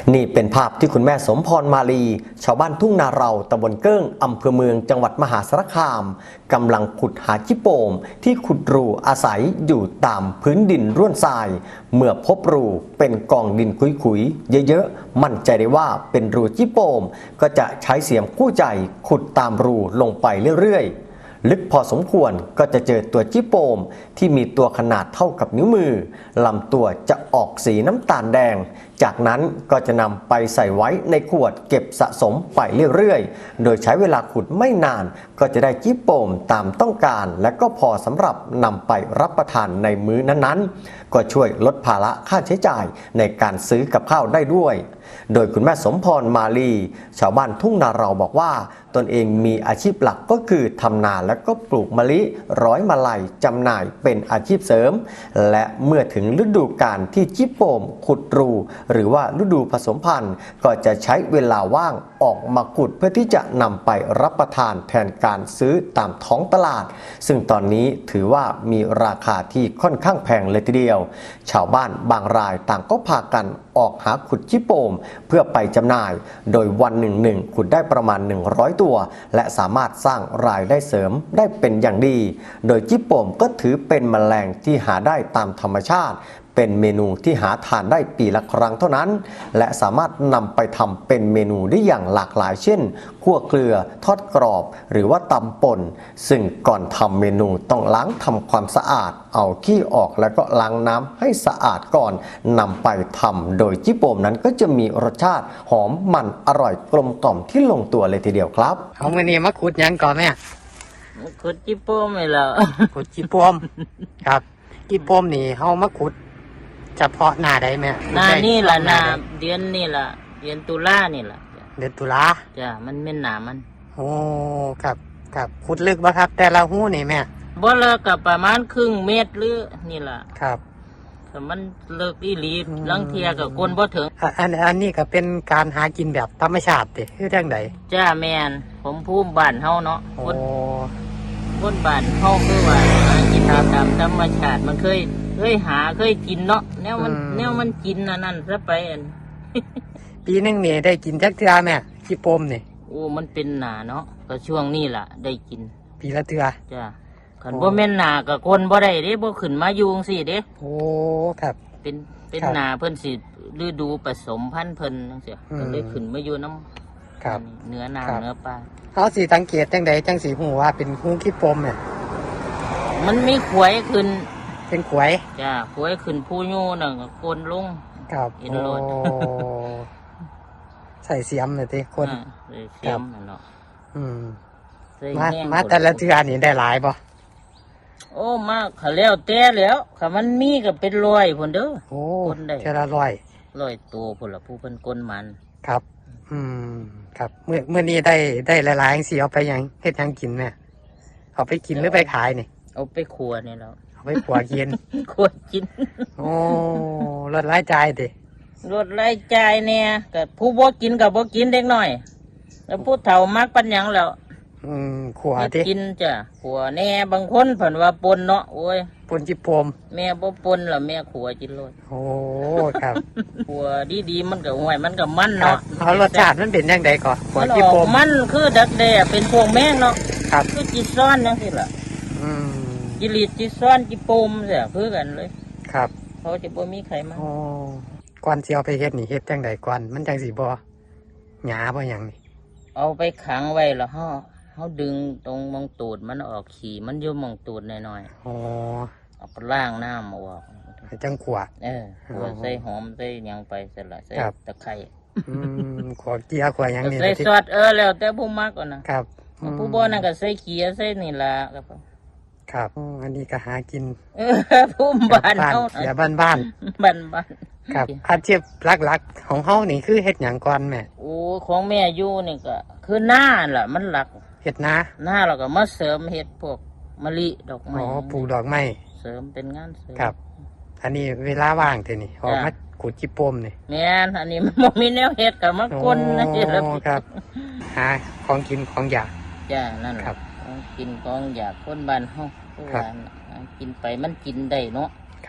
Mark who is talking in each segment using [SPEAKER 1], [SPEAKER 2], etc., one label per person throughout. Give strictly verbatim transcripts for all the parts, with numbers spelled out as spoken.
[SPEAKER 1] นี่เป็นภาพที่คุณแม่สมพรมาลีชาวบ้านทุ่งนาเราตำบลเกิ้งอำเภอเมืองจังหวัดมหาสารคามกำลังขุดหาจิโปมที่ขุดรูอาศัยอยู่ตามพื้นดินร่วนทรายเมื่อพบรูเป็นกองดินคุยๆเยอะๆมั่นใจได้ว่าเป็นรูจิโปมก็จะใช้เสียมคู่ใจขุดตามรูลงไปเรื่อยๆลึกพอสมควรก็จะเจอตัวจิโปมที่มีตัวขนาดเท่ากับนิ้วมือลำตัวจะออกสีน้ำตาลแดงจากนั้นก็จะนำไปใส่ไว้ในขวดเก็บสะสมไปเรื่อยๆโดยใช้เวลาขุดไม่นานก็จะได้จิโปมตามต้องการและก็พอสำหรับนำไปรับประทานในมื้อนั้นๆก็ช่วยลดภาระค่าใช้จ่ายในการซื้อกับข้าวได้ด้วยโดยคุณแม่สมพรมาลีชาวบ้านทุ่งนาเราบอกว่าตนเองมีอาชีพหลักก็คือทำนาและก็ปลูกมะลิร้อยมาลัยจำหน่ายเป็นอาชีพเสริมและเมื่อถึงฤดูกาลที่จิโปมขุดรูหรือว่าฤดูผสมพันธุ์ก็จะใช้เวลาว่างออกมาขุดเพื่อที่จะนำไปรับประทานแทนการซื้อตามท้องตลาดซึ่งตอนนี้ถือว่ามีราคาที่ค่อนข้างแพงเลยทีเดียวชาวบ้านบางรายต่างก็พากันออกหาขุดจิโปมเพื่อไปจำหน่ายโดยวันหนึ่งหนึ่งขุดได้ประมาณหนึ่งร้อยตัวและสามารถสร้างรายได้เสริมได้เป็นอย่างดีโดยจิโปมก็ถือเป็นแมลงที่หาได้ตามธรรมชาติเป็นเมนูที่หาทานได้ปีละครั้งเท่านั้นและสามารถนำไปทำเป็นเมนูได้อย่างหลากหลายเช่นคั่วเกลือทอดกรอบหรือว่าตำป่นซึ่งก่อนทำเมนูต้องล้างทำความสะอาดเอาขี้ออกแล้วก็ล้างน้ำให้สะอาดก่อนนำไปทำโดยจิโปมนั้นก็จะมีรสชาติหอมมันอร่อยกลมกล่อมที่ลงตัวเลยทีเดียวครับ
[SPEAKER 2] เอามื้อนี้มาขุดหยังก่อนแม่
[SPEAKER 3] ขุดจิโป้มไม่แล้ว
[SPEAKER 2] ขุดจิโปมครับจิโปมนี่เฮามาขุดเฉพาะหน้าใดแม่
[SPEAKER 3] หน้านี่ล่ะหน้าเดือนนี่ล่ะเดือนตุลานี่ล่ะ
[SPEAKER 2] เดือนตุลา
[SPEAKER 3] จ้ะมันเป็นหน้ามัน
[SPEAKER 2] โอ้ครับครับขุดลึกบ่ครับแต่ละหู้นี่แม่
[SPEAKER 3] บ่เลิกกับประมาณครึ่งเมตรหรือนี่ล่ะ
[SPEAKER 2] ครับ
[SPEAKER 3] แต่มันเลิกอีหลีลังเทียกับคนบ่ถึง
[SPEAKER 2] อันอันนี้ก็เป็นการหากินแบบธรรมชาติติคือจังได๋
[SPEAKER 3] จ้าแม่นผมภูมิบ้านเฮาเนาะ
[SPEAKER 2] คน
[SPEAKER 3] คนบ้านเฮาคือว่าหากินตามธรรมชาติมันเคยเคยหาเคยกินเนาะแนวมันแนวมันกินอันนั้นซะไปอัน
[SPEAKER 2] ปีนึงนี่ได้กินจักเทื่อแม่จิโปมนี่
[SPEAKER 3] โอ้มันเป็นหน้าเนาะก็ช่วงนี้ล่ะได้กิน
[SPEAKER 2] ปีละเทื่อ
[SPEAKER 3] จ้าคันบ่แม่นหน้าก็คนบ่ได้เด้บ่ขึ้นมาอยู่จังซี่เด้
[SPEAKER 2] โอ้ครับ
[SPEAKER 3] เป็นเป็นหน้าเพิ่นสิฤดูผสมพันธุ์เพิ่นจังซี่ก็เลยขึ้นมาอยู่นำ
[SPEAKER 2] ครับ
[SPEAKER 3] เนื้อน้ำเนื้อปลา
[SPEAKER 2] เฮาสิสังเกตจังไดจังสิฮู้ว่าเป็นหูจิโปมเนี่ย
[SPEAKER 3] มันมีขวยขึ้น
[SPEAKER 2] เป็นขวย
[SPEAKER 3] จ้าขวยขึ้นผู้โยน่ะก็โกนลง
[SPEAKER 2] ครับ
[SPEAKER 3] เห็นโลด
[SPEAKER 2] ใส่เสียมเลยติคน
[SPEAKER 3] เสียมนั่นเนาะ
[SPEAKER 2] อืมมามาแต่ละเทื่อนี่ได้หลายบ่
[SPEAKER 3] โอ้มากเขาแล้วแต่แล้วค่ะมันมีก็เป็นร้อยพุ่นเด้อ
[SPEAKER 2] โอ้คนได้เทื่อละร้อย
[SPEAKER 3] ร้อยตัวพุ่นล่ะผู้เพิ่นกลมัน
[SPEAKER 2] ครับอืมครับเมื่อเมื่อนี้ได้ได้หลายๆจังซี่เอาไปหยังเฮ็ดหยังกินแม่เอาไปกินหรือไปขายนี่
[SPEAKER 3] เอาไปครัวนี่แล้ว
[SPEAKER 2] เอาไปขัวกิน
[SPEAKER 3] ขัวกิน
[SPEAKER 2] โอ้ลดรายจ่ายติ
[SPEAKER 3] ลดรายจ่ายเนี่ยก็ผู้บ่กินก็บ่กินเด็กน้อยแล้วผู้เฒ่ามักปัญญังแล้ว
[SPEAKER 2] อืมขัวติ
[SPEAKER 3] กินจ้ะขัวแน่บางคนเพิ่นว่าปนเนาะโอ้ย
[SPEAKER 2] ปนจิโปม
[SPEAKER 3] แม่บ่ปนล่ะแม่ขัวกินโลด
[SPEAKER 2] โอ้ครับ
[SPEAKER 3] ขัวดีๆมันก็ห่วยมันก็มันเนาะ
[SPEAKER 2] เอารสชาติมันเป็นจังไดก่อนขัวจิโปม
[SPEAKER 3] มันคือดักแด้เป็นพวกแม่งเนาะ
[SPEAKER 2] ครับ
[SPEAKER 3] คือจิซ้อนจังซี่ล่ะ
[SPEAKER 2] อืม
[SPEAKER 3] จิลีดจิซ้อนจิโปมเสียคือกันเลย
[SPEAKER 2] ครับ
[SPEAKER 3] เขาจะบ่มีไขมัน
[SPEAKER 2] อ๋อก่อนสิเอาไปเฮ็ดนี่เฮ็ดจังไดก่อนมันจังสิบ่หยาบ่หยังนี่
[SPEAKER 3] เอาไปขังไว้แล้วเฮาเฮาดึงตรงมองตูดมันออกขี้มันอยู่มองตูดหน่อย
[SPEAKER 2] ๆอ๋อ
[SPEAKER 3] เอาไปล้างน้ำออก
[SPEAKER 2] ให้จังขัว
[SPEAKER 3] เออขัวใส่หอมใส่หยังไปเสร็จละใส่ตะไคร้
[SPEAKER 2] อืมขัวเกียขัวหยังนี่
[SPEAKER 3] ใส่ซอสเออแล้วแต่ผู้มักก่อนนะครับผู้บ่นั่นก็ใส่เกียใส่นี่ล่ะครับ
[SPEAKER 2] ครับอันนี้ก็หากิน
[SPEAKER 3] เออภูมิบ้านเฮา
[SPEAKER 2] อย่าบ้านบ้าน
[SPEAKER 3] บ้านบ้าน
[SPEAKER 2] ครับอาชีพหลักๆของเฮานี่คือเฮ็ดหยังก่อนแม่
[SPEAKER 3] โอ้ของแม่อยู่นี่ก็คือหน้าล่ะมันหลัก
[SPEAKER 2] เฮ็ดนา
[SPEAKER 3] หน้าเราก็มาเสริมเฮ็ดพวกมะลิดอกไม้
[SPEAKER 2] อ๋อปลูกดอกไม้
[SPEAKER 3] เสริมเป็นงานเสริม
[SPEAKER 2] ครับอันนี้เวลาว่างเท่านี้ออกมาขุดจิโปมนี่
[SPEAKER 3] แม่นอันนี้มันบ่มีแนวเฮ็ดก็มากลนะสิ
[SPEAKER 2] ครับครับหาของกินของอยาก
[SPEAKER 3] จ้านั่นครับของกินของอยากคนบ้านเฮาคือว่ากินไปมันกินได้เนาะ
[SPEAKER 2] ครับ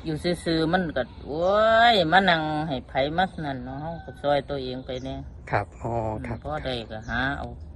[SPEAKER 3] อยู่ซื่อๆมันก็โอ้ยมานั่งให้ไผมักนั่นเนาะเฮาก็ซอยตัวเองไปเนี่ย
[SPEAKER 2] ครับอ๋อครับ
[SPEAKER 3] พอได้ก็หาเอา